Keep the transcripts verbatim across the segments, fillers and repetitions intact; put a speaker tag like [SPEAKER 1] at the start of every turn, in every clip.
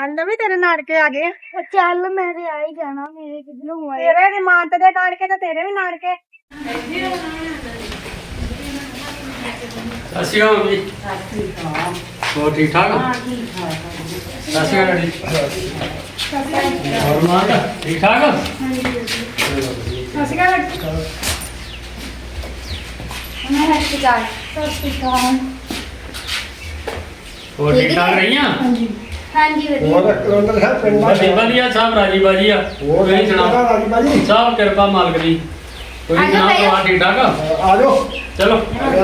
[SPEAKER 1] ਕਹਿੰਦਾ ਵੀ ਤੇਰੇ ਨਾਨਕੇ ਆ ਗਏ।
[SPEAKER 2] ਚੱਲ ਮੈਂ ਤੇ ਆ ਹੀ ਜਾਣਾ, ਮੇਰੇ ਕਿੱਧਰੋਂ ਆਏ।
[SPEAKER 1] ਤੇਰੇ ਵੀ ਮਾਨਤ ਦੇ ਨਾਨਕੇ ਤੇ ਤੇਰੇ ਵੀ ਨਾਨਕੇ।
[SPEAKER 3] ਸਤਿ ਸ਼੍ਰੀ ਅਕਾਲ ਮੰਮੀ। ਹੋਰ ਠੀਕ ਠਾਕ?
[SPEAKER 2] ਹਾਂ ਠੀਕ ਠਾਕ।
[SPEAKER 3] ਸਤਿ ਸ਼੍ਰੀ ਅਕਾਲ ਜੀ। ਹੋਰ ਮਾਤਾ ਠੀਕ ਠਾਕ?
[SPEAKER 1] ਸਤਿ ਸ਼੍ਰੀ ਅਕਾਲ।
[SPEAKER 2] ਮੈਂ ਹੱਥ ਜਾ ਸਤਿ ਸ਼੍ਰੀ ਅਕਾਲ।
[SPEAKER 3] ਹੋਰ ਠੀਕ ਠਾਕ ਰਹੀਆਂ?
[SPEAKER 2] ਹਾਂਜੀ ਹਾਂਜੀ ਵਧੀਆ।
[SPEAKER 4] ਹੋਰ ਕਲੰਦਰ ਸਾਹਿਬ ਪਿੰਡ ਦਾ
[SPEAKER 3] ਵਧੀਆ ਵਧੀਆ ਸਭ ਰਾਜੀ ਬਾਜੀ ਆ।
[SPEAKER 4] ਹੋਰ
[SPEAKER 3] ਤੁਸੀਂ ਸੁਣਾਓ?
[SPEAKER 4] ਰਾਜੀ ਬਾਜੀ
[SPEAKER 3] ਸਭ ਕਿਰਪਾ ਮਾਲਕ ਦੀ। ਤੁਸੀਂ
[SPEAKER 2] ਆ ਜਾਓ
[SPEAKER 3] ਸੁਣਾਓ ਪਰਿਵਾਰ ਠੀਕ ਠਾਕ?
[SPEAKER 4] ਆ ਜਾਓ
[SPEAKER 3] ਚਲੋ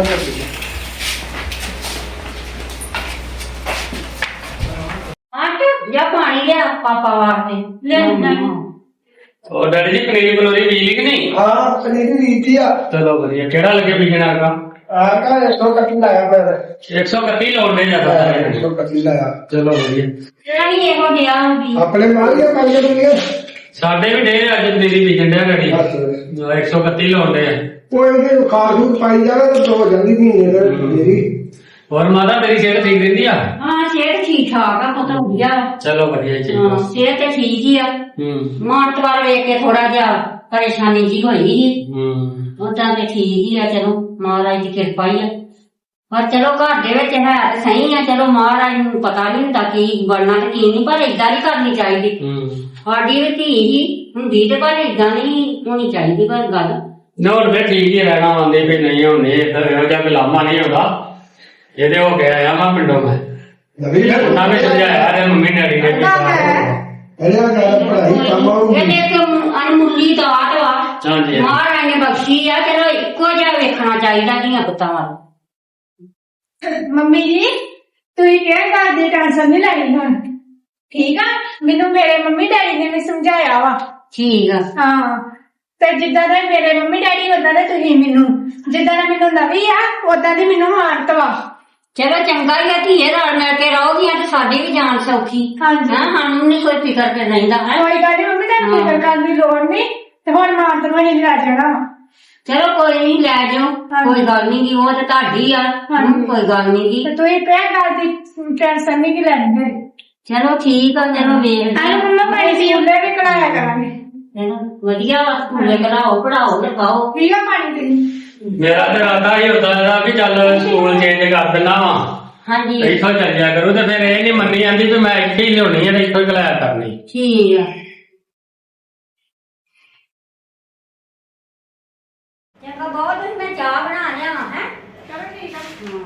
[SPEAKER 2] ਆਟ ਜਾਂ ਪਾਣੀ ਲਿਆ ਪਾਪਾ ਵਾਸਤੇ ਲੈ ਨਾ।
[SPEAKER 3] ਹੋਰ ਡੈਡੀ ਜੀ ਪਨੀਰੀ ਬਲੋਰੀ ਬੀਜ ਲਈ ਕਿ ਨਹੀਂ?
[SPEAKER 4] ਹਾਂ ਪਨੀਰੀ ਰੀਤੀ ਆ
[SPEAKER 3] ਚਲੋ ਵਧੀਆ। ਕਿਹੜਾ ਲੱਗੇ ਬੀਜਣਾ ਹੈਗਾ?
[SPEAKER 4] ਆ ਕਾ ਇੱਕ ਸੌ ਕੱਟੀ ਲਾਇਆ ਮੈਂ
[SPEAKER 3] ਇੱਕ ਸੌ ਇਕੱਤੀ ਲਾਉਣੇ ਜਾਂਦਾ
[SPEAKER 4] ਇੱਕ ਸੌ ਕੱਟੀ ਲਾਇਆ
[SPEAKER 3] ਚਲੋ ਵਧੀਆ।
[SPEAKER 2] ਨਹੀਂ ਇਹੋ ਜਿਹਾ ਹੁੰਦੀ
[SPEAKER 4] ਆਪਣੇ ਮਾਰੀਆ ਕੰਗੇ ਦੁਨੀਆ
[SPEAKER 3] ਸਾਡੇ ਵੀ ਡੇ ਅੱਜ ਪਨੀਰੀ ਬੀਜਣ ਡਿਆ ਡੈਡੀ। ਇੱਕ ਸੌ ਇਕੱਤੀ ਲਾਉਂਦੇ ਆ।
[SPEAKER 4] ਕੋਈ ਉਹਦੇ ਖਾਸ ਨੂੰ ਪਾਈ ਜਾਵੇ ਤਾਂ ਦੋ ਜਾਂਦੀ ਮਹੀਨੇ ਦਾ ਮੇਰੀ।
[SPEAKER 3] ਹੋਰ ਮਾਤਾ ਤੇਰੀ ਸਿਹਤ ਠੀਕ ਰਹਿੰਦੀ ਆ?
[SPEAKER 2] ਹਾਂ ਸਿਹਤ ਠੀਕ ਠਾਕ ਆ ਪਤਾ ਵਧੀਆ।
[SPEAKER 3] ਚਲੋ ਵਧੀਆ
[SPEAKER 2] ਹਾਂ
[SPEAKER 3] ਚਾਹੀਦਾ।
[SPEAKER 2] ਸਿਹਤ ਤੇ ਠੀਕ ਹੀ ਆ।
[SPEAKER 3] ਹੂੰ
[SPEAKER 2] ਮਾਨਤ ਵਾਲ ਵੇਖ ਕੇ ਥੋੜਾ ਜਿਹਾ ਪਰੇਸ਼ਾਨੀ ਜੀ ਹੋਈ ਸੀ।
[SPEAKER 3] ਹੂੰ
[SPEAKER 2] ਉਦਾਂ ਤੇ ਠੀਕ ਹੀ ਆ। ਚਲੋ ਮਹਾਰਾਜ ਦੀ ਕਿਰਪਾ ਹੀ ਆ। ਪਰ ਚਲੋ ਘਰ ਦੇ ਵਿੱਚ ਹੈ ਤੇ ਸਹੀ ਆ। ਚਲੋ ਮਹਾਰਾਜ ਨੂੰ ਪਤਾ ਨਹੀਂ ਹੁੰਦਾ ਕੀ ਬਣਨਾ ਤੇ ਕੀ ਨਹੀਂ, ਪਰ ਏਦਾਂ ਨਹੀਂ ਕਰਨੀ ਚਾਹੀਦੀ।
[SPEAKER 3] ਹੂੰ
[SPEAKER 2] ਸਾਡੀ ਵੀ ਧੀ ਹੀ ਹੁੰਦੀ ਤੇ ਪਰ ਏਦਾਂ ਨਹੀਂ ਹੋਣੀ ਚਾਹੀਦੀ। ਪਰ ਗੱਲ
[SPEAKER 3] ਨੋਟ ਤੇ ਠੀਕ ਹੀ ਰਹਿਣਾ ਆਉਂਦੇ ਵੀ ਨਹੀਂ ਹੁੰਦੇ ਇੱਧਰ ਇਹੋ ਜਿਹਾ ਗੁਲਾਮਾ ਨਹੀਂ ਹੁੰਦਾ। ਇਹਦੇ ਹੋ ਗਿਆ ਆ ਮੈਂ ਪਿੰਡੋਂ ਮੈਂ
[SPEAKER 4] ਨਵੀਂ ਫਿਰ
[SPEAKER 3] ਉਹਨਾਂ ਨੇ ਸਮਝਾਇਆ ਤੇ ਮੰਮੀ ਡੈਡੀ ਨੇ ਵੀ
[SPEAKER 4] ਇਹਦਾ ਗੱਲ ਪੜਾਈ ਕੰਮ ਆਉਗੀ
[SPEAKER 2] ਇਹਨੇ ਕਿ ਅਨਮੁੱਲੀ ਦਾਤ ਵਾ
[SPEAKER 3] ਹਾਂਜੀ
[SPEAKER 2] ਮਹਾਰਾਜ ਨੇ ਬਖਸ਼ੀ ਆ। ਚਲੋ ਇੱਕੋ ਜਿਹਾ ਵੇਖਣਾ ਚਾਹੀਦਾ ਧੀਆਂ ਪੁੱਤਾਂ ਵੱਲ।
[SPEAKER 1] ਮੰਮੀ ਜੀ ਤੁਸੀਂ ਕਿਹੜੀ ਗੱਲ ਦੀ ਟੈਨਸ਼ਨ ਨਹੀਂ ਲੈਣੀ ਹੁਣ, ਠੀਕ ਆ? ਮੈਨੂੰ ਮੇਰੇ ਮੰਮੀ ਡੈਡੀ ਨੇ ਵੀ ਸਮਝਾਇਆ ਵਾ।
[SPEAKER 2] ਠੀਕ ਆ।
[SPEAKER 1] ਹਾਂ ਤੇ ਜਿੱਦਾਂ ਦੇ ਮੇਰੇ ਮੰਮੀ ਡੈਡੀ ਉਦਾਂ ਦੇ ਤੁਸੀਂ ਮੈਨੂੰ, ਜਿੱਦਾਂ ਦਾ ਮੈਨੂੰ ਨਵੀਂ ਆ ਉਦਾਂ ਦੀ ਮੈਨੂੰ ਮਾਨਤ ਵਾ।
[SPEAKER 2] ਚਲੋ ਚੰਗਾ ਹੀ ਆ ਧੀਏ, ਰਲ ਮਿਲ ਕੇ ਰਹੋਗੀਆਂ ਤੇ ਸਾਡੀ ਵੀ ਜਾਨ ਸੌਖੀ।
[SPEAKER 1] ਹਾਂਜੀ।
[SPEAKER 2] ਹਾਂ ਸਾਨੂੰ ਨਹੀਂ ਕੋਈ ਫਿਕਰ ਤੇ ਰਹਿੰਦਾ ਹੈ।
[SPEAKER 1] ਕੋਈ ਗੱਲ ਨੀ ਮੰਮੀ, ਤੁਹਾਨੂੰ ਫਿਕਰ ਕਰਨ ਦੀ ਲੋੜ ਨਹੀਂ। ਤੇ ਹੁਣ ਮਾਨਤ ਨੂੰ ਹੀ ਲੈ ਜਾਣਾ ਵਾ।
[SPEAKER 2] ਚਲੋ ਕੋਈ ਨਹੀਂ ਲੈ ਜਾਓ, ਕੋਈ ਗੱਲ ਨਹੀਂ ਗੀ, ਉਹ ਤੇ ਤੁਹਾਡੀ ਆ।
[SPEAKER 1] ਹਾਂਜੀ।
[SPEAKER 2] ਕੋਈ ਗੱਲ ਨਹੀਂ ਗੀ।
[SPEAKER 1] ਤੇ ਤੁਸੀਂ ਕਿਹੜੀ ਗੱਲ ਦੀ ਟੈਨਸ਼ਨ ਨਹੀਂ ਕਿ ਲੈਣੀ ਹੈ।
[SPEAKER 2] ਚਲੋ ਠੀਕ ਆ। ਚਲੋ ਵੇਖ
[SPEAKER 1] ਆਹ ਮੰਮਾ ਪਾਣੀ ਦੀ ਉੱਲੇ ਵੀ ਕਢਾਇਆ ਕਰਾਂਗੇ।
[SPEAKER 2] ਵਧੀਆ ਵਾ, ਸਕੂਲੇ ਕਢਾਓ ਪੜਾਓ ਤੇ ਪਾਓ।
[SPEAKER 1] ਠੀਕ ਆ ਪਾਣੀ ਦੀ।
[SPEAKER 3] ਮੇਰਾ ਤੇ ਇਰਾਦਾ ਹੀ ਹੁੰਦਾ ਇਹਦਾ ਵੀ ਚੱਲ ਸਕੂਲ ਚੇਂਜ ਕਰ ਦਿੰਦਾ ਵਾ,
[SPEAKER 2] ਹਾਂਜੀ
[SPEAKER 3] ਇੱਥੋਂ ਚੱਲ ਜਾ ਕਰੂ। ਤੇ ਫਿਰ ਇਹ ਨਹੀਂ ਮੰਨੀ ਜਾਂਦੀ ਵੀ ਮੈਂ ਇੱਥੇ ਹੀ ਲਿਆਉਣੀ ਹੈ ਤੇ ਇੱਥੋਂ ਹੀ ਕਲਾਇਆ ਕਰਨੀ।
[SPEAKER 2] ਠੀਕ ਆ। ਚੰਗਾ ਬਹੁਤ ਮੈਂ ਚਾਹ ਬਣਾ ਲਿਆ ਹੈ।
[SPEAKER 1] ਚਲੋ ਠੀਕ ਆ।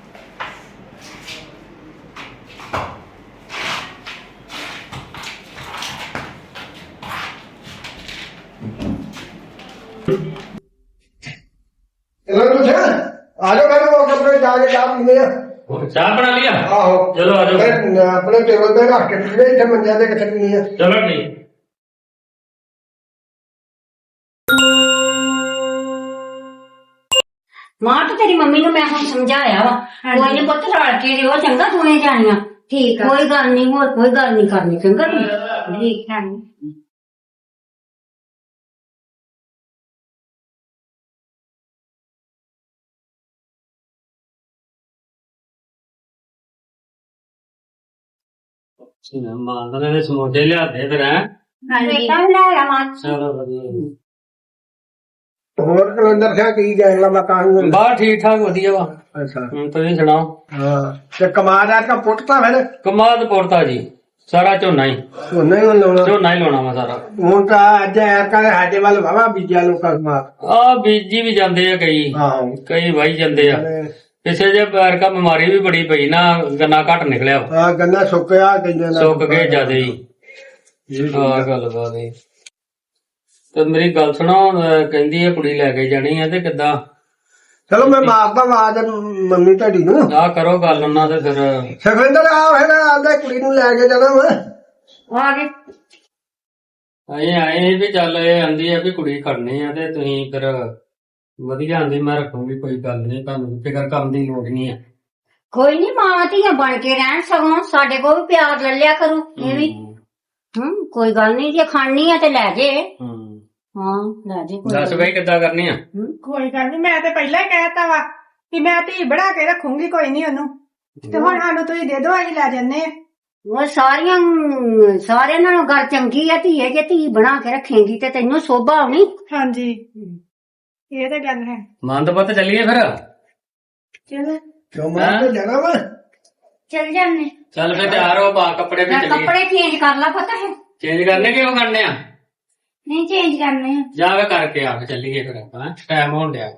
[SPEAKER 4] ਇਹਨਾਂ ਨੂੰ ਪੁੱਛਿਆ ਆ ਜਾਓ ਮੈਂ ਉਹ ਕੱਪੜੇ ਜਾ ਕੇ ਚਾਹ ਪੀਂਦੇ ਆ।
[SPEAKER 3] ਹੋਰ ਚਾਹ ਬਣਾ ਲਿਆ?
[SPEAKER 4] ਆਹੋ
[SPEAKER 3] ਚਲੋ ਆ ਜਾਓ।
[SPEAKER 4] ਮੈਂ ਆਪਣੇ ਟੇਬਲ ਤੇ ਰੱਖ ਕੇ ਪੀਂਦੇ ਇੱਥੇ ਮੰਜਿਆਂ ਤੇ ਕਿੱਥੇ ਪੀਣੀ ਆ।
[SPEAKER 3] ਚਲੋ ਠੀਕ।
[SPEAKER 2] ਮਾਂ ਤੇ ਤੇਰੀ ਮੰਮੀ ਨੂੰ ਮੈਂ ਹੁਣ ਸਮਝਾਇਆ ਵਾ। ਕੋਈ ਨੀ ਪੁੱਤ ਰਲ ਕੇ ਰਿਓ, ਚੰਗਾ ਦੋਵੇਂ ਜਾਣੀਆਂ।
[SPEAKER 1] ਠੀਕ ਆ।
[SPEAKER 2] ਕੋਈ ਗੱਲ ਨਹੀਂ, ਹੋਰ ਕੋਈ ਗੱਲ ਨਹੀਂ ਕਰਨੀ, ਚੰਗਾ ਤੂੰ।
[SPEAKER 1] ਠੀਕ ਹੈ।
[SPEAKER 3] ਮਾਂ ਨੇ ਸਮੋਸੇ ਲਿਆਦੇ ਫਿਰ ਹੈ।
[SPEAKER 1] ਹਾਂਜੀ।
[SPEAKER 2] ਤਾਂ ਲੈ ਆ ਮਾਂ।
[SPEAKER 3] ਚਲੋ ਵਧੀਆ।
[SPEAKER 4] ਹੋਰ ਕਲੰਦਰ ਸਿੰਘ ਕੀ ਗੈਂਗਲਾ ਮਕਾਨ
[SPEAKER 3] ਬਾਹਰ ਠੀਕ ਠਾਕ ਵਧੀਆ ਵਾ।
[SPEAKER 4] ਅੱਛਾ
[SPEAKER 3] ਹੁਣ ਤੁਸੀਂ ਸੁਣਾਓ?
[SPEAKER 4] ਹਾਂ ਤੇ ਕਮਾਦਾ ਦਾ ਪੁੱਟਤਾ ਫਿਰ
[SPEAKER 3] ਕਮਾਦ ਪੋਰਤਾ ਜੀ ਸਾਰਾ ਝੋਨਾ ਹੀ
[SPEAKER 4] ਉਹਨੇ ਹੀ ਲਾਉਣਾ।
[SPEAKER 3] ਝੋਨਾ ਹੀ ਲਾਉਣਾ ਵਾ ਸਾਰਾ।
[SPEAKER 4] ਹੁਣ ਤਾਂ ਅੱਜ ਐਰ ਕਰੇ ਸਾਡੇ ਵੱਲ ਵਾਵਾ ਬੀਜਿਆ ਲੋਕਾਂ ਕਮਾ।
[SPEAKER 3] ਆ ਬੀਜੀ ਵੀ ਜਾਂਦੇ ਆ ਕਈ,
[SPEAKER 4] ਆਹੋ
[SPEAKER 3] ਕਈ ਵਾਈ ਜਾਂਦੇ ਆ। ਪਿੱਛੇ ਜੇ ਪੈਰ ਕਾ ਬਿਮਾਰੀ ਵੀ ਬੜੀ ਪਈ ਨਾ, ਗੰਨਾ ਘੱਟ ਨਿਕਲਿਆ ਵਾ।
[SPEAKER 4] ਆ ਗੰਨਾ ਸੁੱਕਿਆ ਕਈਆਂ ਦਾ
[SPEAKER 3] ਸੁੱਕ ਗਏ ਜਿਆਦੇ ਹੀ। ਆਹ ਗੱਲ ਬਾਤ ਹੈ। ਤੇ ਮੇਰੀ ਗੱਲ ਸੁਣੋ, ਅਹ ਕਹਿੰਦੀ ਆ ਕੁੜੀ ਲੈ ਕੇ ਜਾਣੀ ਆ ਤੇ ਕਿੱਦਾਂ?
[SPEAKER 4] ਚਲੋ ਮੈਂ ਮਾਰਦਾ ਆਵਾਜ਼ ਮੰਮੀ ਤੁਹਾਡੀ ਨੂੰ।
[SPEAKER 3] ਆਹ ਕਰੋ ਗੱਲ ਉਹਨਾਂ ਤੇ ਫਿਰ।
[SPEAKER 4] ਸੁਖਵਿੰਦਰ ਆ ਫਿਰ ਆਂਦਾ ਕੁੜੀ ਨੂੰ ਲੈ ਕੇ ਜਾਣਾ ਵਾ।
[SPEAKER 2] ਆ ਗਏ।
[SPEAKER 3] ਅਸੀਂ ਆਏ ਵੀ ਚੱਲ ਇਹ ਆਂਦੀ ਆ ਵੀ ਕੁੜੀ ਖੜਨੀ ਆ ਤੇ ਤੁਸੀਂ ਫਿਰ ਵਧੀਆ ਆਂਦੀ ਮੈਂ ਰੱਖੂਗੀ, ਕੋਈ ਗੱਲ ਨਹੀਂ, ਤੁਹਾਨੂੰ ਫਿਕਰ ਕਰਨ ਦੀ ਲੋੜ ਨਹੀਂ ਆ।
[SPEAKER 2] ਕੋਈ ਨੀ, ਮਾਂ ਧੀਆਂ ਬਣ ਕੇ ਰਹਿਣ, ਸਗੋਂ ਸਾਡੇ ਕੋਲ ਵੀ ਪਿਆਰ ਲੈ ਲਿਆ ਕਰੂ ਇਹ ਵੀ। ਹੂੰ ਕੋਈ ਗੱਲ ਨਹੀਂ, ਜੇ ਖਾਣੀ ਆ ਤੇ ਲੈ ਜੇ।
[SPEAKER 3] ਹੂੰ
[SPEAKER 2] ਹਾਂ ਲੈ ਜੇ।
[SPEAKER 3] ਦੱਸ ਬਈ ਕਿੱਦਾਂ ਕਰਨੀ ਆ?
[SPEAKER 1] ਕੋਈ ਗੱਲ ਨੀ, ਮੈਂ ਤੇ ਪਹਿਲਾਂ ਹੀ ਕਹਿਤਾ ਵਾ ਕਿ ਮੈਂ ਧੀ ਬਣਾ ਕੇ ਰੱਖੂੰਗੀ, ਕੋਈ ਨਹੀਂ ਉਹਨੂੰ। ਤੇ ਹੁਣ ਸਾਨੂੰ ਤੁਸੀਂ ਦੇ ਦਿਓ, ਅਸੀਂ ਲੈ ਜੰਨੇ ਆ।
[SPEAKER 2] ਉਹ ਸਾਰੀਆਂ ਸਾਰਿਆਂ ਨਾਲੋਂ ਗੱਲ ਚੰਗੀ ਆ ਧੀਏ, ਜੇ ਧੀ ਬਣਾ ਕੇ ਰੱਖੇਂਗੀ ਤੇ ਤੈਨੂੰ ਸੋਭਾ ਆਉਣੀ।
[SPEAKER 1] ਹਾਂਜੀ ਇਹ ਤਾਂ ਗੱਲ ਹੈ।
[SPEAKER 3] ਮੰਦ ਪੁੱਤ ਚੱਲੀਏ ਫਿਰ।
[SPEAKER 1] ਚਲੋ
[SPEAKER 4] ਕਿਉਂ ਮੈਂ ਤਾਂ ਜਾਣਾ ਵਾ।
[SPEAKER 1] ਚੱਲ ਜਾਂਦੇ।
[SPEAKER 3] ਚੱਲ ਫਿਰ ਤਿਆਰ ਹੋ, ਪਾ ਕੱਪੜੇ ਵੀ ਚੱਲੀਏ।
[SPEAKER 2] ਕੱਪੜੇ ਚੇਂਜ ਕਰ ਲਾ ਪਤਾ ਹੈ।
[SPEAKER 3] ਚੇਂਜ ਕਰਨੇ ਕਿਉਂ ਕਰਨੇ ਆ?
[SPEAKER 1] ਨਹੀਂ ਚੇਂਜ ਕਰਨੇ ਆ।
[SPEAKER 3] ਜਾ ਕੇ ਕਰਕੇ ਆ ਕੇ ਚੱਲੀਏ ਫਿਰ ਆਪਾਂ, ਟਾਈਮ ਹੋਣ ਡਿਆ।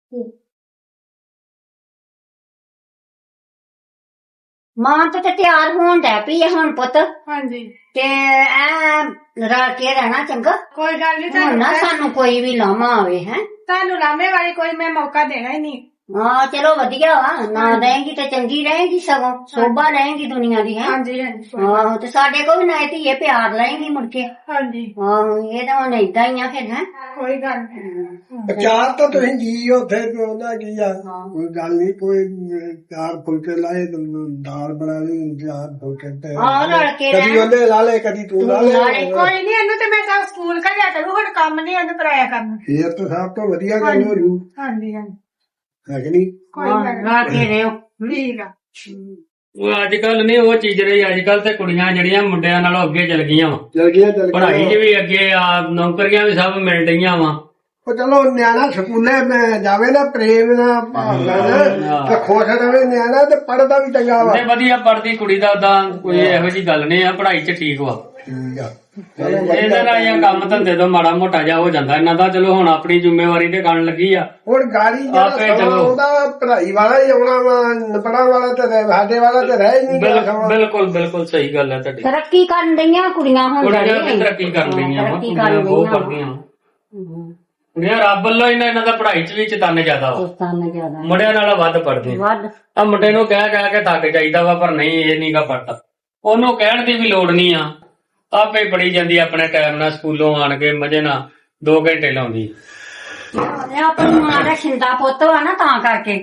[SPEAKER 2] ਮਾਂ ਤੇ ਤਿਆਰ ਹੋਣ ਡੈ ਪਈ ਆ ਹੁਣ ਪੁੱਤ,
[SPEAKER 1] ਹਾਂਜੀ
[SPEAKER 2] ਤੇ ਐ ਰਲ ਕੇ ਰਹਿਣਾ ਚੰਗਾ।
[SPEAKER 1] ਕੋਈ ਗੱਲ ਨਹੀਂ,
[SPEAKER 2] ਹੁਣ ਨਾ ਸਾਨੂੰ ਕੋਈ ਵੀ ਲਾਮਾ ਆਵੇ ਹੈ।
[SPEAKER 1] ਤੁਹਾਨੂੰ ਲਾਮੇ ਵਾਲੀ ਕੋਈ ਮੈਂ ਮੌਕਾ ਦੇਣਾ ਹੀ ਨਹੀਂ।
[SPEAKER 2] ਹਾਂ ਚਲੋ ਵਧੀਆ ਵਾ, ਨਾ ਰਹੇਗੀ ਤੇ ਚੰਗੀ ਰਹੇਗੀ, ਸਗੋਂ ਸੋਭਾ ਰਹੇਗੀ ਦੁਨੀਆ ਦੀ ਹੈ।
[SPEAKER 1] ਹਾਂਜੀ ਹਾਂਜੀ
[SPEAKER 2] ਆਹੋ ਤੇ ਸਾਡੇ ਕੋਲ ਵੀ ਨਾ ਧੀਏ ਪਿਆਰ ਲਏਗੀ ਮੁੜ ਕੇ।
[SPEAKER 1] ਹਾਂਜੀ
[SPEAKER 2] ਆਹੋ ਇਹ ਤਾਂ ਹੁਣ ਏਦਾਂ ਹੀ ਆ ਫਿਰ ਹੈ।
[SPEAKER 1] ਕੋਈ ਗੱਲ ਨਹੀਂ।
[SPEAKER 4] ਚਾਰ ਤਾਂ ਤੁਸੀਂ ਜੀ ਉੱਥੇ ਉਹਦਾ ਕੀ ਆ, ਕੋਈ ਗੱਲ ਨਹੀਂ, ਕੋਈ ਚਾਰ ਫੁਲਕੇ ਲਾਏ ਤੇ ਦਾਲ ਬਣਾ ਲਈ, ਚਾਰ ਫੁਲਕੇ ਤੇ
[SPEAKER 2] ਆਹ ਰਲ ਕੇ
[SPEAKER 4] ਕਦੀ
[SPEAKER 2] ਰਹਿਣਾ।
[SPEAKER 4] ਉਹਨੇ ਲਾ ਲਏ ਕਦੀ ਤੂੰ ਲਾ ਲੈ।
[SPEAKER 1] ਕੋਈ ਨਹੀਂ, ਇਹਨੂੰ ਤੇ ਮੈਂ ਤਾਂ ਸਕੂਲ ਘੱਲਿਆ ਕਰੂ, ਹੁਣ ਕੰਮ ਨਹੀਂ ਇਹਨੂੰ ਕਰਾਇਆ ਕਰਨਾ।
[SPEAKER 4] ਇਹ ਤਾਂ ਸਭ ਤੋਂ ਵਧੀਆ ਗੱਲ ਹੋ ਰੂ
[SPEAKER 1] ਹਾਂਜੀ ਹਾਂਜੀ
[SPEAKER 4] ਹੈ ਕਿ ਨਹੀਂ।
[SPEAKER 1] ਕੋਈ ਗੱਲ ਨੀ।
[SPEAKER 2] ਰਲ ਕੇ ਰਹੋ।
[SPEAKER 1] ਠੀਕ ਆ।
[SPEAKER 3] ਉਹ ਅੱਜ ਕੱਲ ਨਹੀਂ ਉਹ ਚੀਜ਼ ਰਹੀ। ਅੱਜ ਕੱਲ ਤੇ ਕੁੜੀਆਂ ਜਿਹੜੀਆਂ ਮੁੰਡਿਆਂ ਨਾਲੋਂ ਅੱਗੇ ਚਲ ਗਈਆਂ ਵਾ,
[SPEAKER 4] ਚਲ ਗਿਆ ਚਲ
[SPEAKER 3] ਪੜ੍ਹਾਈ 'ਚ ਵੀ ਅੱਗੇ ਆ, ਨੌਕਰੀਆਂ ਵੀ ਸਭ ਮਿਲ ਰਹੀਆਂ ਵਾ।
[SPEAKER 4] ਉਹ ਚਲੋ ਨਿਆਣਾ ਸਕੂਲੇ ਮੈਂ ਜਾਵੇ ਨਾ ਪ੍ਰੇਮ ਨਾਲ ਭਾਵਨਾ ਨਾਲ ਤੇ ਖੁਸ਼ ਰਵੇ ਨਿਆਣਾ, ਤੇ ਪੜਦਾ ਵੀ ਚੰਗਾ ਵਾ।
[SPEAKER 3] ਤੇ ਵਧੀਆ ਪੜਦੀ ਕੁੜੀ ਦਾ ਉਦਾਂ ਕੋਈ ਇਹੋ ਜਿਹੀ ਗੱਲ ਨਹੀਂ ਆ, ਪੜ੍ਹਾਈ 'ਚ ਠੀਕ ਵਾ।
[SPEAKER 4] ਠੀਕ ਆ।
[SPEAKER 3] ਇਹਦੇ ਨਾਲ ਇਹ ਕੰਮ ਧੰਦੇ ਤੋਂ ਮਾੜਾ ਮੋਟਾ ਜਾ ਹੋ ਜਾਂਦਾ ਇਹਨਾਂ ਦਾ। ਚਲੋ ਹੁਣ ਆਪਣੀ ਜ਼ਿੰਮੇਵਾਰੀ ਤੇ ਕਰਨ ਲੱਗੀ ਆ।
[SPEAKER 4] ਹੁਣ ਗਾੜੀ
[SPEAKER 3] ਆਪੇ
[SPEAKER 4] ਜਿਹੜਾ
[SPEAKER 3] ਚਲੋ।
[SPEAKER 4] ਸਮਾਂ ਉਹਦਾ ਪੜ੍ਹਾਈ ਵਾਲਾ ਹੀ ਆਉਣਾ ਵਾ, ਪੜਾਉਣ ਵਾਲਾ ਤੇ ਰਹਿ- ਸਾਡੇ ਵਾਲਾ ਤੇ ਰਹਿ ਹੀ ਨਹੀਂ ਗਿਆ
[SPEAKER 3] ਬਿਲ-
[SPEAKER 4] ਸਮਾਂ।
[SPEAKER 3] ਬਿਲਕੁਲ ਬਿਲਕੁਲ ਸਹੀ ਗੱਲ ਹੈ ਤੁਹਾਡੀ।
[SPEAKER 2] ਤਰੱਕੀ ਕਰਨ ਦਈਆਂ ਕੁੜੀਆਂ ਹੁਣ
[SPEAKER 3] ਕੁੜੀਆਂ
[SPEAKER 2] ਬੜੀਆਂ।
[SPEAKER 3] ਵੀ ਤਰੱਕੀ ਕਰ ਲਈਆਂ ਵਾ,
[SPEAKER 2] ਤਰੱਕੀ
[SPEAKER 3] ਕੁੜੀਆਂ
[SPEAKER 2] ਕਰ
[SPEAKER 3] ਬਹੁਤ
[SPEAKER 2] ਲਈਆਂ।
[SPEAKER 3] ਪੜ੍ਹਦੀਆਂ ਵਾ। ਕੁੜੀਆਂ ਰੱਬ ਵੱਲੋਂ ਇਹਨਾਂ ਇਹਨਾਂ ਦਾ ਪੜ੍ਹਾਈ 'ਚ ਵੀ ਚਤਨ ਜ਼ਿਆਦਾ ਵਾ,
[SPEAKER 2] ਦੋਸਤਾਂ ਜ਼ਿਆਦਾ
[SPEAKER 3] ਮੁੰਡਿਆਂ ਨਾਲੋਂ ਵੱਧ ਪੜ੍ਹਦੇ।
[SPEAKER 2] ਵੱਧ।
[SPEAKER 3] ਆ ਮੁੰਡੇ ਨੂੰ ਕਹਿ ਕਹਿ ਕੇ ਥੱਕ ਜਾਈਦਾ ਵਾ, ਪਰ ਨਹੀਂ ਇਹ ਨਹੀਂਗਾ ਪੜਦਾ। ਉਹਨੂੰ ਕਹਿਣ ਦੀ ਵੀ ਲੋੜ ਨਹੀਂ ਆ, ਆਪੇ ਹੀ ਪੜੀ ਜਾਂਦੀ ਆਪਣੇ ਟਾਈਮ ਨਾਲ, ਸਕੂਲੋਂ ਆਣ ਕੇ ਮਜੇ ਨਾਲ ਦੋ ਘੰਟੇ ਲਾਉਂਦੀ।
[SPEAKER 2] ਇਹ ਆਪਣੀ ਮਾਂ ਦਾ ਛਿੰਦਾ ਪੁੱਤ ਵਾ ਨਾ, ਤਾਂ ਕਰਕੇ।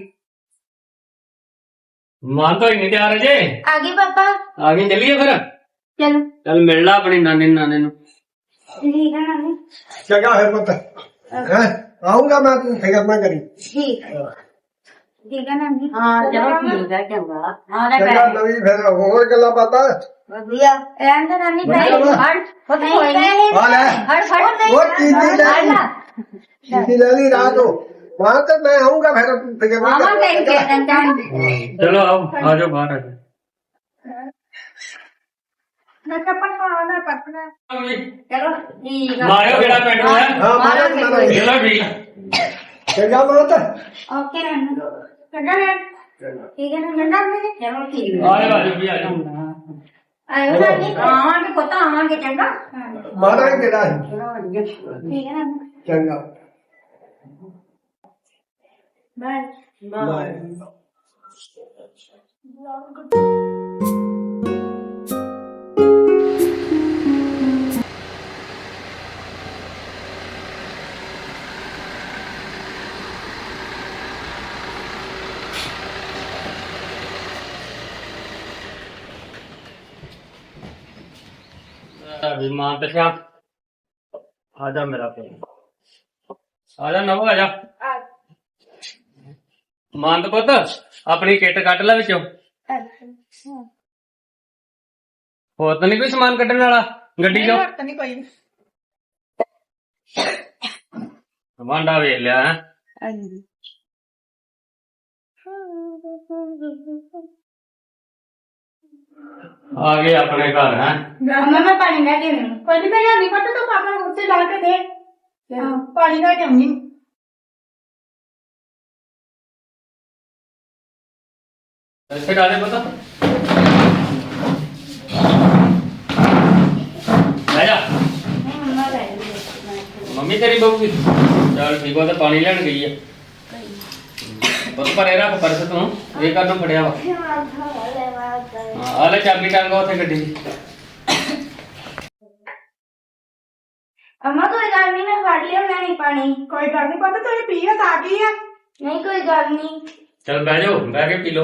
[SPEAKER 3] ਮਾਂ ਤਾਂ ਹੀ ਨਹੀਂ ਤਿਆਰ ਅਜੇ।
[SPEAKER 1] ਆ ਗਈ ਪਾਪਾ।
[SPEAKER 3] ਆ ਗਈ, ਚੱਲੀਏ ਫਿਰ।
[SPEAKER 1] ਚਲੋ
[SPEAKER 3] ਚੱਲ ਮਿਲ ਲਾ ਆਪਣੀ ਨਾਨੀ ਨਾਨੇ ਨੂੰ।
[SPEAKER 1] ਠੀਕ ਹੈ ਨਾਨੀ।
[SPEAKER 4] ਚੰਗਾ ਹੈ ਪੁੱਤ ਹੈ, ਆਉਂਗਾ ਮੈਂ, ਤੂੰ ਫਿਕਰ ਨਾ ਕਰੀ।
[SPEAKER 1] ਠੀਕ ਹੈ ਠੀਕ ਹੈ ਨਾਨੀ।
[SPEAKER 2] ਹਾਂ ਚਲੋ ਠੀਕ ਹੈ, ਚੰਗਾ। ਹਾਂ ਲੈ
[SPEAKER 4] ਚੰਗਾ,
[SPEAKER 2] ਪੈ
[SPEAKER 4] ਨਵੀਂ ਫਿਰ ਹੋਰ ਗੱਲਾਂ ਬਾਤਾਂ।
[SPEAKER 2] ਵਧੀਆ।
[SPEAKER 1] ਰਹਿਣ ਦੇ ਨਾਨੀ
[SPEAKER 4] ਵਧੀਆ
[SPEAKER 1] ਪੈਸੇ
[SPEAKER 4] ਵਾ।
[SPEAKER 2] ਹੜ ਪੁੱਤ ਕੋਈ ਨਹੀਂ।
[SPEAKER 4] ਆ ਲੈ
[SPEAKER 2] ਹੜ ਫੜ
[SPEAKER 4] ਉਹ ਚੀਜ਼ੀ ਲੈ ਲਈ, ਚੀਜ਼ੀ ਲੈ ਲਈ ਰਾਤ ਨੂੰ। ਵਹਾਂ ਤੇ ਮੈਂ ਆਉਂਗਾ ਫਿਰ, ਤੂੰ ਫਿਕਰ ਨਾ
[SPEAKER 2] ਮਾਮਾ
[SPEAKER 4] ਕਰ।
[SPEAKER 2] ਕਹਿ ਕੇ ਦਿੰਦਾ।
[SPEAKER 3] ਚਲੋ ਆਓ, ਆ ਜਾਓ ਬਾਹਰ ਆ ਜਾਓ।
[SPEAKER 1] ਮੈਂ ਤਾਂ ਪੜਨਾ ਨਾ ਪੜਨਾ।
[SPEAKER 2] ਚਲੋ ਠੀਕ ਆ।
[SPEAKER 3] ਮਾਰਿਓ ਕਿਹੜਾ ਪਿੰਡ ਨੂੰ ਹੈ।
[SPEAKER 4] ਹਾਂ ਮਾਰਾ ਮਾਰਾ
[SPEAKER 3] ਚਲੋ ਠੀਕ।
[SPEAKER 4] ਚੰਗਾ ਮਾਤਾ।
[SPEAKER 1] ਓਕੇ ਨਾਨੀ। ਚੰਗਾ ਨਾਨੀ। ਠੀਕ ਹੈ ਨਾ ਨਾਨੀ।
[SPEAKER 2] ਚਲੋ ਠੀਕ
[SPEAKER 3] ਆ ਜਾਓ ਆ ਜਾਓ ਵੀ ਆ ਜਾਓ।
[SPEAKER 1] ਆਇਓ ਨਾਨੀ।
[SPEAKER 2] ਆਵਾਂਗੇ ਪੁੱਤ, ਆਵਾਂਗੇ ਚੰਗਾ।
[SPEAKER 4] ਮਾਰਾ ਹੀ ਕਿਹੜਾ ਹੈ।
[SPEAKER 2] ਚਲੋ ਵਧੀਆ।
[SPEAKER 1] ਠੀਕ ਹੈ ਨਾਨੀ।
[SPEAKER 4] ਚੰਗਾ
[SPEAKER 1] ਬਾਏ।
[SPEAKER 4] ਬਾਏ।
[SPEAKER 3] ਵੀ ਮਾਂ ਤੇ ਸ਼ਾ ਆ ਜਾ ਮੇਰਾ ਪੁੱਤ, ਆ ਜਾ ਨਵ, ਆ ਜਾ। ਮੰਦ ਪੁੱਤ ਆਪਣੀ ਕਿੱਟ ਕੱਢ ਲੈ ਵਿੱਚੋਂ। ਹੋਰ ਤਾਂ ਨਹੀਂ ਕੋਈ ਸਮਾਨ ਕੱਢਣ ਵਾਲਾ ਗੱਡੀ ਚੋਂ?
[SPEAKER 1] ਹੋਰ ਤਾਂ ਨਹੀਂ ਕੋਈ।
[SPEAKER 3] ਵਾਂਡਾ ਵੇਖ ਲਿਆ ਹੈ।
[SPEAKER 1] ਹਾਂਜੀ।
[SPEAKER 3] ਆ ਗਏ ਆਪਣੇ ਘਰ ਹੈ।
[SPEAKER 1] ਅੰਮਾ ਮੈਂ ਪਾਣੀ ਲੈ ਕੇ ਆਉਂਦੀ ਹਾਂ। ਕੋਈ ਨਹੀਂ, ਮੈਂ ਨਹੀਂ ਪਤਾ ਤੂੰ ਪਾਪਾ ਨੂੰ ਉੱਤੇ ਲਾ ਕੇ ਦੇ। ਹਾਂ, ਪਾਣੀ ਲੈ ਕੇ ਆਉਂਦੀ।
[SPEAKER 3] ਇੱਥੇ ਡਾਲੇ ਪਤਾ ਲੈ ਜਾ।
[SPEAKER 1] ਮੰਮਾ ਲੈ ਲਈ।
[SPEAKER 3] ਮੰਮੀ ਤੇਰੀ ਬਹੂ ਵੀ ਚੱਲ ਠੀਕ ਆ, ਤੇ ਪਾਣੀ ਲੈਣ ਗਈ ਆ। ਬਸ ਪਰੇ ਰੱਖ ਪਰਸ ਤੂੰ, ਇਹ ਕਰਨ ਫੜਿਆ ਵਾ। ਹਾਂ ਆ ਲੈ ਚਾਬੀ ਟੰਗਾ ਉੱਥੇ ਗੱਡੀ ਦੀ।
[SPEAKER 1] ਅੰਮਾ ਕੋਈ ਗੱਲ ਨਹੀਂ, ਮੈਂ ਫੜ ਲਿਆ ਨਹੀਂ ਪਾਣੀ। ਕੋਈ ਗੱਲ ਨਹੀਂ, ਪਤਾ ਤੂੰ ਪੀਆ ਤਾਂ ਆ ਗਈ ਆ। ਨਹੀਂ ਕੋਈ ਗੱਲ ਨਹੀਂ।
[SPEAKER 3] ਚੱਲ ਬਹਿ ਜਾਓ, ਬਹਿ ਕੇ ਪੀ ਲਓ।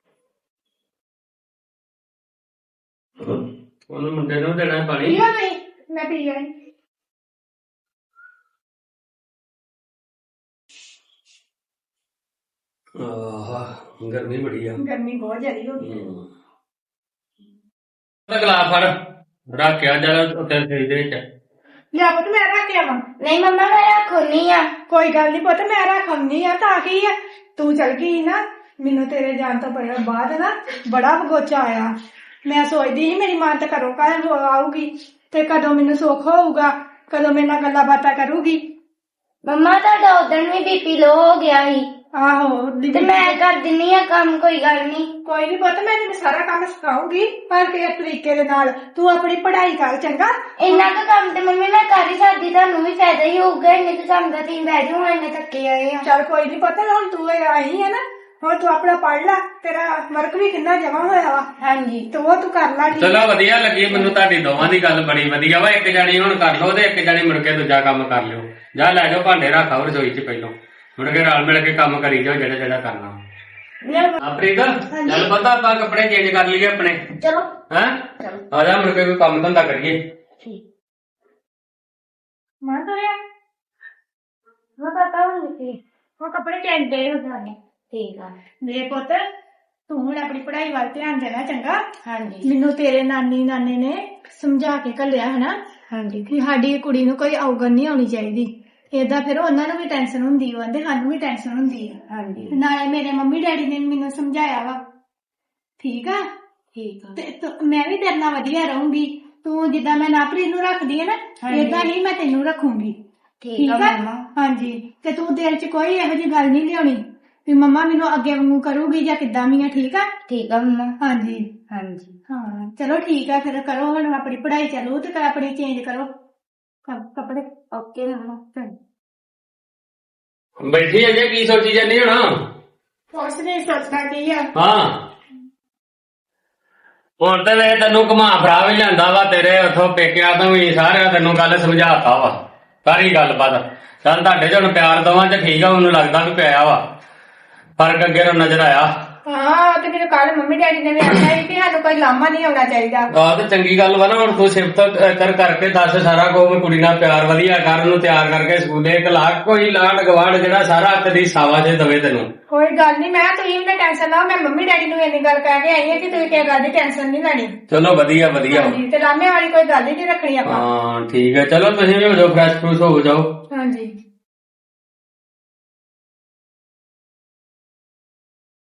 [SPEAKER 3] ਉਹਨੂੰ ਮੁੰਡੇ ਨੂੰ ਦੇਣਾ ਹੈ ਪਾਣੀ।
[SPEAKER 1] ਪੀਆ ਨਹੀਂ, ਮੈਂ ਪੀ ਲਿਆ।
[SPEAKER 3] ਆਹ ਗਰਮੀ ਬੜੀ ਆ।
[SPEAKER 1] ਗਰਮੀ ਬਹੁਤ ਜ਼ਿਆਦਾ ਹੋ ਗਈ।
[SPEAKER 3] ਹਮ। ਤਾਂ ਗਲਾਸ ਫੜ ਰੱਖਿਆ ਜਰਾ ਉੱਤੇ ਫ੍ਰਿਜ ਦੇ ਵਿੱਚ।
[SPEAKER 1] ਲਿਆ ਪੁੱਤ ਮੈਂ ਰੱਖ ਕੇ ਆਵਾਂ।
[SPEAKER 5] ਨਹੀਂ ਮੰਮਾ ਮੈਂ ਰੱਖਣੀ ਆ।
[SPEAKER 1] ਕੋਈ ਗੱਲ ਨਹੀਂ ਪੁੱਤ ਮੈਂ ਰੱਖਣੀ ਆ ਤਾਂ ਕੀ ਆ ਤੂੰ ਚਲ ਗਈ ਨਾ ਮੈਨੂੰ ਤੇਰੇ ਜਾਣ ਤੋਂ ਪਹਿਲਾਂ ਬਾਅਦ ਨਾ ਬੜਾ ਬਗੋਚਾ ਆਇਆ। ਮੈਂ ਸੋਚਦੀ ਸੀ ਮੇਰੀ ਮਾਂ ਤਾਂ ਘਰੋਂ ਘਰ ਆਊਗੀ ਤੇ ਕਦੋਂ ਮੈਨੂੰ ਸੁੱਖ ਹੋਊਗਾ, ਕਦੋਂ ਮੇਰੇ ਨਾਲ ਗੱਲਾਂ ਬਾਤਾਂ ਕਰੂਗੀ।
[SPEAKER 5] ਮੰਮਾ ਤੁਹਾਡਾ ਉਦੋਂ ਵੀ ਬੀਪੀ ਲੋ ਹੋ ਗਿਆ ਸੀ
[SPEAKER 1] ਆਹੋ
[SPEAKER 5] ਤੇ ਮੈਂ ਕਰ ਦਿੰਨੀ ਆ ਕੰਮ, ਕੋਈ ਗੱਲ ਨਹੀਂ।
[SPEAKER 1] ਕੋਈ ਨਹੀਂ ਪੁੱਤ ਮੈਂ ਤੈਨੂੰ ਸਾਰਾ ਕੰਮ ਸਿਖਾਉਂਗੀ ਪਰ ਕਿਸ ਤਰੀਕੇ ਦੇ ਨਾਲ। ਤੂੰ ਆਪਣੀ ਪੜ੍ਹਾਈ ਕਰ ਚੰਗਾ।
[SPEAKER 5] ਇੰਨਾ ਕੁ ਕੰਮ ਤੇ ਮੰਮੀ ਮੈਂ ਕਰ ਹੀ ਸਕਦੀ, ਤੁਹਾਨੂੰ ਵੀ ਫਾਇਦਾ ਹੀ ਹੋਊਗਾ। ਇੰਨੇ ਕੁ ਕੰਮ ਦਾ ਤੁਸੀਂ ਬਹਿ ਜਾਓ, ਇੰਨੇ ਥੱਕੇ ਆਏ ਆ।
[SPEAKER 1] ਚੱਲ ਕੋਈ ਨਹੀਂ ਪੁੱਤ ਹੁਣ ਤੂੰ ਆਈ ਹੈ ਨਾ, ਹੁਣ ਤੂੰ ਆਪਣਾ ਪੜ੍ਹ ਲੈ, ਤੇਰਾ ਵਰਕ ਵੀ ਕਿੰਨਾ ਜਮਾ ਹੋਇਆ ਵਾ।
[SPEAKER 5] ਹਾਂਜੀ
[SPEAKER 1] ਤੇ ਉਹ ਤੂੰ ਕਰ ਲੈ।
[SPEAKER 3] ਚਲੋ ਵਧੀਆ ਲੱਗੀ ਮੈਨੂੰ ਤੁਹਾਡੀ ਦੋਵਾਂ ਦੀ ਗੱਲ ਬੜੀ ਵਧੀਆ ਵਾ। ਇੱਕ ਜਾਣੀ ਹੁਣ ਕਰ ਲਓ ਤੇ ਇੱਕ ਜਾਣੀ ਮੁੜ ਕੇ ਦੂਜਾ ਕੰਮ ਕਰ ਲਿਓ। ਜਾ ਲੈ ਜਾਓ ਭਾਂਡੇ ਰੱਖਾਓ ਰਸੋਈ 'ਚ ਪਹਿਲੋਂ, ਮੁੜ ਕੇ ਰਲ ਮਿਲ ਕੇ ਕੰਮ ਕਰੀ ਜਾਓ ਜਿਹੜਾ ਜਿਹੜਾ ਕਰਨਾ। ਆਪਰੀਤ ਚੱਲ ਪਤਾ ਆਪਾਂ ਕੱਪੜੇ ਚੇਂਜ ਕਰ ਲਈਏ ਆਪਣੇ।
[SPEAKER 5] ਚਲੋ
[SPEAKER 3] ਹੈਂ ਆ ਜਾ ਮੁੜ ਕੇ ਕੋਈ ਕੰਮ ਧੰਦਾ ਕਰੀਏ।
[SPEAKER 1] ਮਾਂ ਤੋਰਿਆ
[SPEAKER 5] ਮੈਂ ਪਤਾ ਨਹੀਂ
[SPEAKER 1] ਉਹ ਕੱਪੜੇ ਚੇਂਜ ਦੇ ਹੋ ਜਾਣੇ।
[SPEAKER 5] ਠੀਕ ਆ।
[SPEAKER 1] ਮੇਰੇ ਪੁੱਤ ਤੂੰ ਹੁਣ ਆਪਣੀ ਪੜ੍ਹਾਈ ਵੱਲ ਧਿਆਨ ਦੇਣਾ ਚੰਗਾ।
[SPEAKER 5] ਹਾਂਜੀ
[SPEAKER 1] ਮੈਨੂੰ ਤੇਰੇ ਨਾਨੀ ਨਾਨੇ ਨੇ ਸਮਝਾ ਕੇ ਘੱਲਿਆ ਹਨਾ
[SPEAKER 5] ਹਾਂਜੀ
[SPEAKER 1] ਕਿ ਸਾਡੀ ਕੁੜੀ ਨੂੰ ਕੋਈ ਔਗਣ ਨਹੀਂ ਆਉਣੀ ਚਾਹੀਦੀ। ਏਦਾਂ ਫਿਰ ਉਹਨਾਂ ਨੂੰ ਵੀ ਟੈਨਸ਼ਨ ਹੁੰਦੀ ਆ, ਕਹਿੰਦੇ ਸਾਨੂੰ ਵੀ ਟੈਨਸ਼ਨ ਹੁੰਦੀ ਆ।
[SPEAKER 5] ਹਾਂਜੀ
[SPEAKER 1] ਨਾਲੇ ਮੇਰੇ ਮੰਮੀ ਡੈਡੀ ਨੇ ਮੈਨੂੰ ਸਮਝਾਇਆ ਵਾ। ਠੀਕ ਆ
[SPEAKER 5] ਠੀਕ ਆ।
[SPEAKER 1] ਤੇ ਤੂੰ- ਮੈਂ ਵੀ ਤੇਰੇ ਨਾਲ ਵਧੀਆ ਰਹੂੰਗੀ। ਤੂੰ ਜਿੱਦਾਂ ਮੈਂ ਨਾਪਰੀ ਨੂੰ ਰੱਖਦੀ ਆ ਨਾ
[SPEAKER 5] ਹਾਂਜੀ।
[SPEAKER 1] ਏਦਾਂ ਹੀ ਮੈਂ ਤੈਨੂੰ ਰੱਖੂੰਗੀ।
[SPEAKER 5] ਠੀਕ ਆ ਮੰਮਾ।
[SPEAKER 1] ਹਾਂਜੀ ਤੇ ਤੂੰ ਦਿਲ 'ਚ ਕੋਈ ਇਹੋ ਜਿਹੀ ਗੱਲ ਨਹੀਂ ਲਿਆਉਣੀ ਵੀ ਮੰਮਾ ਮੈਨੂੰ ਅੱਗੇ ਵਾਂਗੂ ਕਰੂਗੀ ਜਾਂ ਕਿੱਦਾਂ ਵੀ ਆ। ਠੀਕ ਆ
[SPEAKER 5] ਠੀਕ ਆ ਮੰਮਾ।
[SPEAKER 1] ਹਾਂਜੀ
[SPEAKER 5] ਹਾਂਜੀ
[SPEAKER 1] ਹਾਂ ਚਲੋ ਠੀਕ ਆ ਫਿਰ ਕਰੋ ਹੁਣ ਆਪਣੀ ਪੜ੍ਹਾਈ ਚਾਲੂ ਤੇ ਆਪਣੀ ਚੇਂਜ ਕਰੋ ਕ- ਕੱਪੜੇ।
[SPEAKER 5] ਓਕੇ ਮੰਮਾ।
[SPEAKER 3] ਬੈਠੀ ਅਜੇ ਕੀ ਸੋਚੀ ਜਾਂਦੀ ਹੁਣ?
[SPEAKER 1] ਕੁਛ ਨਹੀਂ ਸੋਚਦਾ ਕੀ ਆ।
[SPEAKER 3] ਹਾਂ ਹੁਣ ਤੇ ਵੇ ਤੈਨੂੰ ਘੁਮਾ ਫਰਾ ਵੀ ਲਿਆਂਦਾ ਵਾ ਤੇਰੇ ਉਥੋਂ ਪੇਕਿਆਂ ਤੋਂ ਵੀ ਸਾਰਿਆਂ ਤੈਨੂੰ ਗੱਲ ਸਮਝਾਤਾ ਵਾ ਸਾਰੀ ਗੱਲਬਾਤ। ਚੱਲ ਤੁਹਾਡੇ ਚ ਹੁਣ ਪਿਆਰ ਦੋਵਾਂ ਚ ਠੀਕ ਆ, ਮੈਨੂੰ ਲੱਗਦਾ ਵੀ ਪਿਆ ਵਾ ਫਰਕ ਅੱਗੇ ਨੂੰ ਨਜ਼ਰ ਆਇਆ।
[SPEAKER 1] ਹਾਂ ਤੇ ਮੇਰੇ ਕੱਲ ਮੰਮੀ ਡੈਡੀ ਨੇ ਵੀ ਆਖਿਆ ਸੀ ਕਿ ਸਾਨੂੰ ਕੋਈ ਲਾਮਾ ਨਹੀਂ ਆਉਣਾ ਚਾਹੀਦਾ।
[SPEAKER 3] ਆਹ ਤੇ ਚੰਗੀ ਗੱਲ ਵਾ ਨਾ। ਹੁਣ ਤੂੰ ਸਿਫਤ ਕਰ ਕਰਕੇ ਦੱਸ ਸਾਰਾ ਕੁਝ, ਕੁੜੀ ਨਾਲ ਪਿਆਰ ਵਧੀਆ ਕਰ, ਉਹਨੂੰ ਤਿਆਰ ਕਰਕੇ ਸਕੂਲੇ ਇੱਕ ਲੱਖ ਕੋਈ ਲਾਡ ਗਵਾੜ ਜਿਹੜਾ ਸਾਰਾ ਤੇਰੀ ਸਾਵਾ ਚ ਦਵੇ ਤੈਨੂੰ।
[SPEAKER 1] ਕੋਈ ਗੱਲ ਨਹੀਂ ਮੈਂ ਤੁਸੀਂ ਵੀ ਟੈਨਸ਼ਨ ਨਾ। ਮੈਂ ਮੰਮੀ ਡੈਡੀ ਨੂੰ ਇੰਨੀ ਗੱਲ ਕਹਿ ਕੇ ਆਈ ਹਾਂ ਕਿ ਤੁਸੀਂ ਕਿਸੇ ਗੱਲ ਦੀ ਟੈਨਸ਼ਨ ਨਹੀਂ ਲੈਣੀ।
[SPEAKER 3] ਚਲੋ ਵਧੀਆ ਵਧੀਆ।
[SPEAKER 1] ਹਾਂਜੀ ਤੇ ਲਾਮੇ ਵਾਲੀ ਕੋਈ ਗੱਲ ਹੀ ਨਹੀਂ ਰੱਖਣੀ ਆਪਾਂ।
[SPEAKER 3] ਹਾਂ ਠੀਕ ਹੈ। ਚਲੋ ਤੁਸੀਂ ਵੀ ਹੋ ਜਾਓ, ਫਰੈਸ਼ ਫਰੂਸ਼ ਹੋ ਜਾਓ।
[SPEAKER 1] ਹਾਂਜੀ